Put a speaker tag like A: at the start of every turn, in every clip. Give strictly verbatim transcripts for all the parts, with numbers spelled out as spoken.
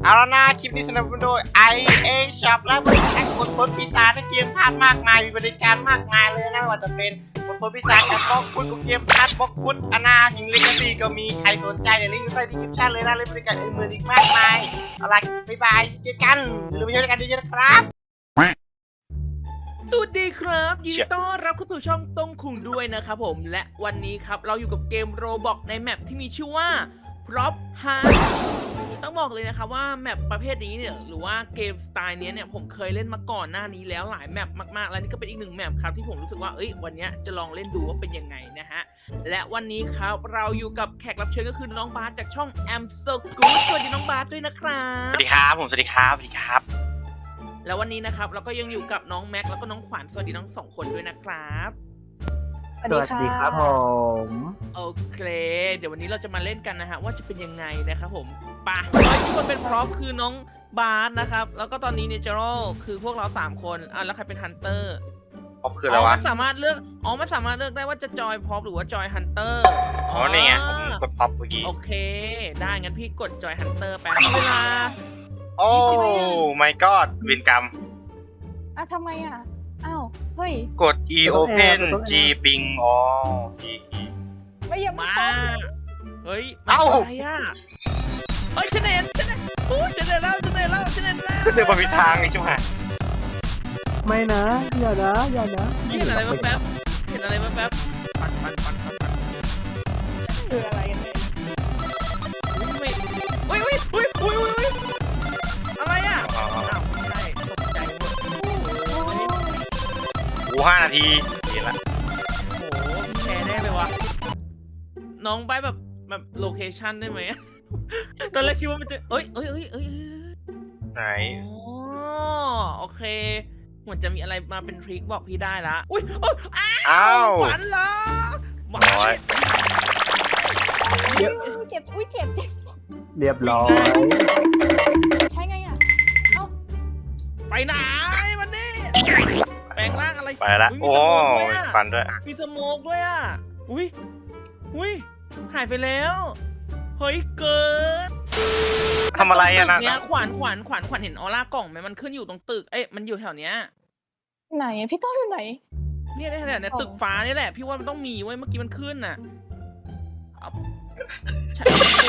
A: เอาละนะคลิปนี้สนับสนุนโดย ไอ เอ Shop และบริการกดผลปีศาจในเกมพาร์ทมากมายมีบริการมากมายเลยนะไม่ว่าจะเป็นกดผลปีศาจกับบล็อกคุณกับเกมพาร์ทบล็อกคุณอนาหิงลิกซี่ก็มีใครสนใจเดี๋ยวลิงก์อยู่ใต้ดีคริปชั่นเลยนะเลยบริการอื่นๆอีกมากมายเอาล่ะบ๊ายบายเจอกันอย่าลืมไปใช้บริการดีๆนะครับ
B: สวัสดีครับยินดีต้อนรับเข้าสู่ช่องต้งคุงด้วยนะครับผมและวันนี้ครับเราอยู่กับเกมโรบอกในแมปที่มีชื่อว่า Prop Hunt ต้องบอกเลยนะครับว่าแมปประเภทนี้เนี่ยหรือว่าเกมสไตล์นี้เนี่ยผมเคยเล่นมาก่อนหน้านี้แล้วหลายแมปมากๆแล้วนี่ก็เป็นอีกหนึ่งแมปครับที่ผมรู้สึกว่าเอ้ยวันนี้จะลองเล่นดูว่าเป็นยังไงนะฮะและวันนี้ครับเราอยู่กับแขกรับเชิญก็คือน้องบาสจากช่อง Am So Good สวัสดีน้องบาสด้วยนะครับ
A: สวัสดีครับผมสวัสดีครับสวัสดีครับ
B: แล้ววันนี้นะครับเราก็ยังอยู่กับน้องแม็กแล้วก็น้องขวัญสวัสดีทั้งสองคนด้วยนะครับ
C: สวัสดีครับผม
B: โอเค เดี๋ยววันนี้เราจะมาเล่นกันนะฮะว่าจะเป็นยังไงนะครับผมปะร้อยที่คนเป็นพร็อพคือน้องบาสนะครับแล้วก็ตอนนี้เนเจอรัลคือพวกเราสามคนอ่ะแล้วใครเป็นฮันเตอร์
A: พบคือ
B: อ๋
A: อะไร
B: อ
A: วะ
B: มันสามารถเลือกอ๋อมันสามารถเลือกได้ว่าจะจอยพร็อพหรือว่าจอยฮันเตอร์
A: อ๋อนี่ไงผมกดพับเมื่อกี้
B: โอเคได้งั้นพี่กดจอยฮันเตอร์แป๊บเวลา
A: โอ้ my god วินกรรม
C: อ่ะทำไมอ่ะ อ้าว เฮ้ย
A: กด e open g ping อ๋อ e e
C: ไม่ยังไม่
B: มา
C: ฟ้อง
B: เฮ้ย
A: เอ้า
B: อะไรอ่ะเฮ้ยฉันเห็นฉันเห็นโอ้ยฉันเห็นแล้วฉันเห็นแล้วฉันเห็นแล้ว
A: เดี๋ยวมันมีทางไงชิบหาย
D: ไม่นะ อย่านะ อย่านะ
B: เห็นอะไรแป๊บๆเห็นอะไรแป๊บๆปันปันปันปันปัน
C: คืออะไรกันเนี่ย
B: อุ้ยอุ้ยอุ้ยอุ้ยอุ้ยอุ้ยอะไรอ่ะอ้าวใช่ตกใจหมดโอ้โห
A: โอ้ห้านาทีเห็นละ
B: แชร์ได้เลยวะน้องไปแบบแบบโลเคชั่นได้ไหมตอนแรกคิดว่ามันจะเอ้ยเอ้ยเอ้ยเอ้ย
A: ไหน
B: อ๋อโอเคเหมือนจะมีอะไรมาเป็นทริคบอกพี่ได้ละอุ้ยโอ้ยอ้า
A: อ้าว
B: วฝันเหรอหมา
A: โอ้ย
C: อุ๊ยเจ็บ อุ้ยเจ็บเจ็บ
D: เรียบร้อย
C: ใช่ไงอ่ะ เอ้า
B: ไปไหนมันนี่แปลงร่างอะไร
A: ไปละ
B: ย
A: โอ้
B: มีสโมกด้วย
A: ย
B: อะ
A: ฟันด้วย
B: มีสโมกด้วยอ่ะอุ้ยอุ้ยหายไปแล้วเฮ้ยเกิน
A: ทำอะไรอะ
B: ตึ
A: นะ
B: กเนี้ยขวานขวานขวานขวานเห็นออร่ากล่องไหมมันขึ้นอยู่ตรงตึกเอ๊ะมันอยู่แถวเนี้ย
C: ไหนอะพี่ต้นอยู่ไหน
B: เนี่ยเนี่ยเนี่ยตึกฟ้านี่แหละพี่ว่ามันต้องมีเว้ยเมื่อกี้มันขึ้นน่ะเอาฉัน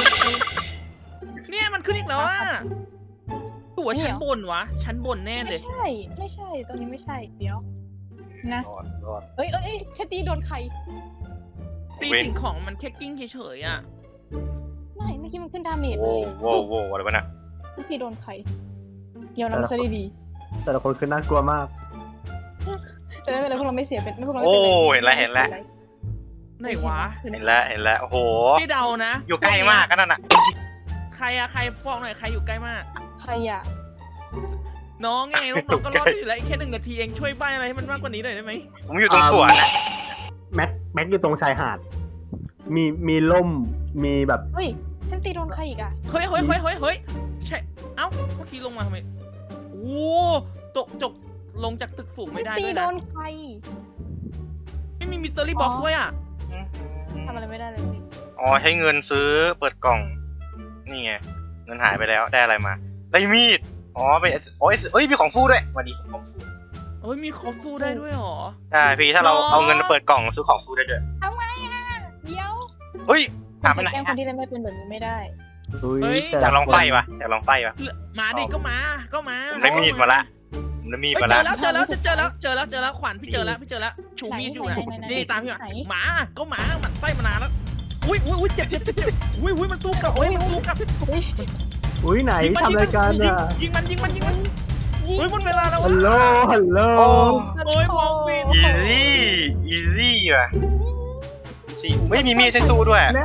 B: เนี่ยมันขึ้นอีกแล้วอ่ะตัวชั้นบนวะชั้นบนแน่เล
C: ไม่
B: ย
C: ใช่ ไม่ใช่ ตรงนี้ไม่ใช่ เดี๋ยว นะ
A: รอดรอด
C: เอ้ยเอ้ยเอ้ยฉันตีโดนใคร
B: ตี
A: เว้น
B: สิ่งของมันแค่กิ้งเฉยๆอ่ะ
C: ไม่ เมื่อกี้มันขึ้นดาเมจเล
A: โว้
C: ย
A: โว้โว้อะไรวะน่ะ
C: เมื่อกี้โดนใคร เดี๋ยวเราไม่ใช่ดี
D: แต่ละคนคือน่ากลัวมาก
C: ๆแต่ไม่เป็นไรพวกเราไม่เสียเป็นไม่พวกเราไม่
A: โอ้
C: เป็นไร
A: เห็นแล้วเห็นแล้ว
B: ไหนวะ
A: เห็นแล้วเห็นแล้วโอ้โห
B: พี่เดานะ
A: อยู่ใกล้มากก็นั่นน่ะ
B: ใครอะใครบอกหน่อยใครอยู่ใกล้มาก
C: ใครอ่ะ
B: น้องไงน้องๆก็รอดอยู่แล้วอีกแค่หนึ่งนาทีเองช่วยใบอะไรให้มันมากกว่านี้หน่อยได้ไหม
A: ผมอยู่ตรงสวนนะ
D: แม็กแม็กอยู่ตรงชายหาด มีมีล่ม มีแบบ
C: เฮ้ย ฉันตีโดนใครอีกอ่ะ
B: เฮ้ยเฮ้ยเฮ้ยเฮ้ยเฮ้ยใช่เอ้าเมื่อกี้ลงมาทำไมโอ้ตกจกลงจากตึกสูงไม่ได้
C: ตี
B: ด้วย
C: โด
B: นะ
C: นใคร
B: ไม่มีมิสเตอรี่บ็อกด้วยอ่ะ
C: ทำอะไรไม่ได้เลยพี่
A: อ๋อใช้เงินซื้อเปิดกล่อง นี่ไงเงินหายไปแล้วได้อะไรมาได้มีดอ๋อเป็นโอ้ยเอ้ยมีของฟูด้วยวันนี้ของฟู
B: เฮ้ยมีคอฟฟูได้ด้วยเหรอ
A: ใช่พี่ถ้าเรา
B: หรอ
A: เอาเงินมาเปิดกล่องซื้อของฟูได้ด้วย
C: ทำไงอ่ะ เดี๋ยว
A: เฮ้ย
C: คุ
A: ถาม
C: ณ
A: ไป
C: จะ
A: ไหน
C: แกล้งค
A: อะ
C: นที่เล่นไม่เป็นแบบนี้ไม่ได้
D: อุ้ย
B: เฮ้ย
D: แต่
A: อยากลองไฟ
D: คน
A: ปะอยากลองไฟปะ
B: มาดิก็มาก็มา
A: ผมได้มีดมาละผมได้มีด
B: เฮ้ย
A: มา
B: เจ
A: ละ
B: อแล้วเจอแล้วเจอแล้วเจอแล้วเจอแล้วขวัญพี่เจอแล้วพี่เจอแล้วชูมีดอยู่นะ
C: ไหนไหนไหน
B: นี่ตามพี่มา
C: ไหน
B: หมาก็หมามันไส้มานานแล้วอุ้ยอุ้ยอุ้ยเจ็บเจ็บเจ็บเจ็บอุ้ยอุ้ยมันสู้กลับอุ้ยมันสู้กลับ
C: อุ้ย
D: อุ้ยไหน
B: ยิงมัน
D: ทำรายการ
B: ยิง
D: อ่ะ
B: ยิงมันยิงมันยิงมันเฮ้ยหมดเวลาแล้ว
D: ฮัลโหล ฮัลโหล
A: โอ้
B: โอ้ยมองปิด
A: อีซี่อีซี่ว่ะสิไม่มีมีดให้สู้ด้วย
D: แน่